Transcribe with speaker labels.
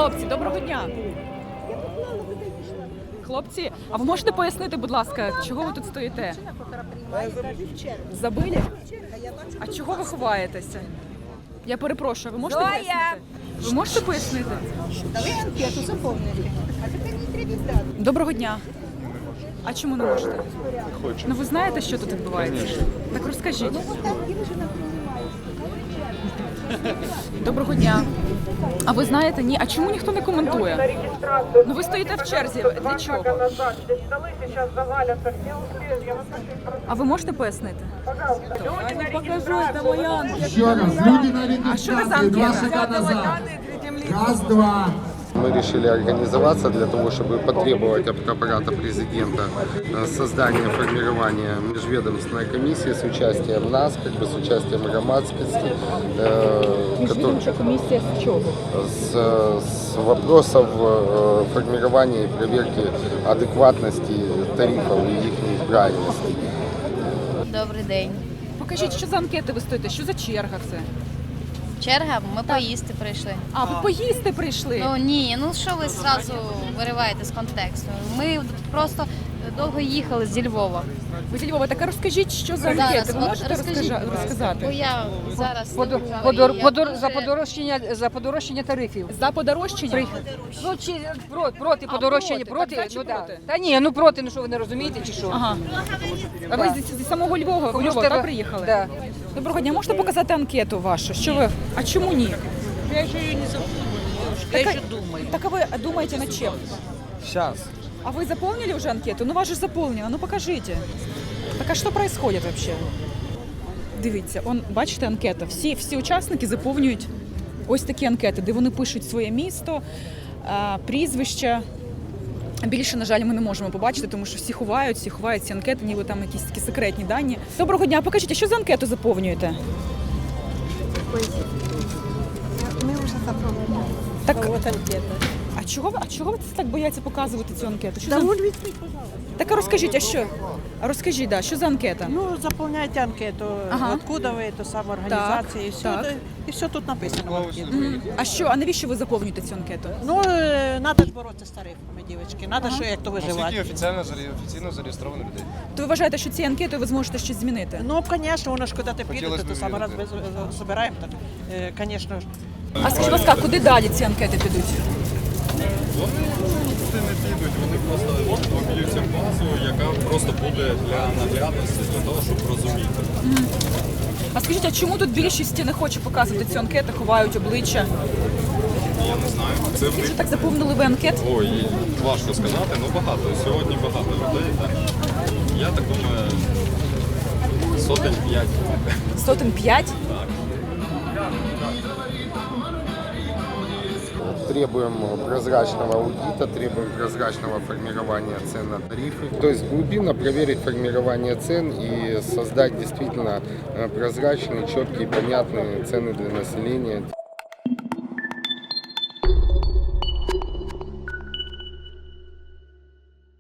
Speaker 1: Хлопці, доброго дня. Хлопці, а ви можете пояснити, будь ласка, чого ви тут стоїте? Забили? А чого ви ховаєтеся? Я перепрошую, ви можете пояснити? Ви можете пояснити?
Speaker 2: Дали анкету, заповнили. А тепер не треба віддати.
Speaker 1: Доброго дня. А чому не можете?
Speaker 3: Хочу.
Speaker 1: Ну ви знаєте, що тут відбувається? Так розкажіть. Доброго дня. А ви знаєте, ні? А чому ніхто не коментує? Ну ви стоїте в черзі. Для чого? А ви можете пояснити? Покажу, це моя анкета.
Speaker 4: Еще раз, люди на
Speaker 1: А що ви за
Speaker 4: регистрации, два
Speaker 1: анкета?
Speaker 4: шага назад. Раз, два.
Speaker 3: Мы решили организоваться для того, чтобы потребовать от аппарата президента создания, формирования межведомственной комиссии с участием нас, как бы с участием громадскости,
Speaker 1: Міжвідомча комісія з чого?
Speaker 3: с вопросов формирования и проверки адекватности тарифов и их правильности.
Speaker 5: Добрий день.
Speaker 1: Покажіть, що за анкети ви стоїте, що за черга це?
Speaker 5: Черга, ми поїсти прийшли.
Speaker 1: А, ви поїсти прийшли?
Speaker 5: Ну ні, ну що ви зразу вириваєте з контексту? Ми просто довго їхали зі Львова.
Speaker 1: Ви зі Львова, так розкажіть, що за анкети? Ви можете
Speaker 5: розкажіть, бо
Speaker 1: розказати?
Speaker 5: я зараз
Speaker 6: За подорожчання тарифів.
Speaker 1: За подорожчання?
Speaker 6: Ну, чи проти подорожчання,
Speaker 1: проти.
Speaker 6: проти,
Speaker 1: Так, за чи
Speaker 6: ну да.
Speaker 1: проти?
Speaker 6: Та ні, ну проти, ну що ви не розумієте, чи що?
Speaker 1: Ага. А ви зі самого Львова,
Speaker 6: Тому що
Speaker 1: так, приїхали?
Speaker 6: Да.
Speaker 1: Доброго дня, можете показати анкету вашу? Що ви? А чому ні?
Speaker 7: Я еще ее не заполнила. Я еще думаю.
Speaker 1: Так а вы думаете над чем?
Speaker 7: Сейчас.
Speaker 1: А вы заполнили уже анкету? Ну, вас же заполнено, ну покажите. Так а що происходит вообще? Дивіться, бачите, анкета. Всі учасники заповнюють ось такі анкети, де вони пишуть своє місто, прізвища. Більше, на жаль, ми не можемо побачити, тому що всі ховають ці анкети, ніби там якісь такі секретні дані. Доброго дня, покажіть, а що за анкету заповнюєте?
Speaker 2: Ми вже заповнили.
Speaker 1: Так,
Speaker 2: От анкета.
Speaker 1: а чого ви так бояться показувати цю анкету? Що
Speaker 2: Да
Speaker 1: за...
Speaker 2: вон відкрить, пожалуйста.
Speaker 1: Так а розкажіть, а що? А розкажіть, да, що за анкета?
Speaker 8: Ну, заполняйте анкету,
Speaker 1: Ага.
Speaker 8: откуда ви, то самоорганізація, і все,
Speaker 1: так.
Speaker 8: і все тут написано. в анкеті.
Speaker 1: А навіщо ви заповнюєте цю анкету?
Speaker 8: Ну, треба ж боротися з тарифами, дівчатки, треба, що як то
Speaker 9: Скільки
Speaker 8: виживати.
Speaker 9: офіційно зареєстровано людей?
Speaker 1: То ви вважаєте, що цією анкетою ви зможете щось змінити?
Speaker 8: Ну, звісно, воно ж куди ти
Speaker 9: Хотілося
Speaker 8: підете,
Speaker 9: б
Speaker 8: то саме раз
Speaker 9: вірити.
Speaker 8: збираємо, так, звісно ж.
Speaker 1: А скажіть, будь ласка, куди далі ці анкети підуть?
Speaker 9: Вони туди не підуть, вони просто об'ються базу, яка просто буде для наглядності, для того, щоб розуміти.
Speaker 1: А скажіть, а чому тут більшість не хоче показувати цю анкету, ховають обличчя?
Speaker 9: Я не знаю, це в них.
Speaker 1: Що так заповнили ви анкет?
Speaker 9: Ой, важко сказати, ну багато. Сьогодні багато людей, так. Я так думаю, сотень 5.
Speaker 1: Сотень 5?
Speaker 3: Требуем прозрачного аудита, требуем прозрачного формирования цен на тарифы. То есть глубинно проверить формирование цен и создать действительно прозрачные, четкие, понятные цены для населения.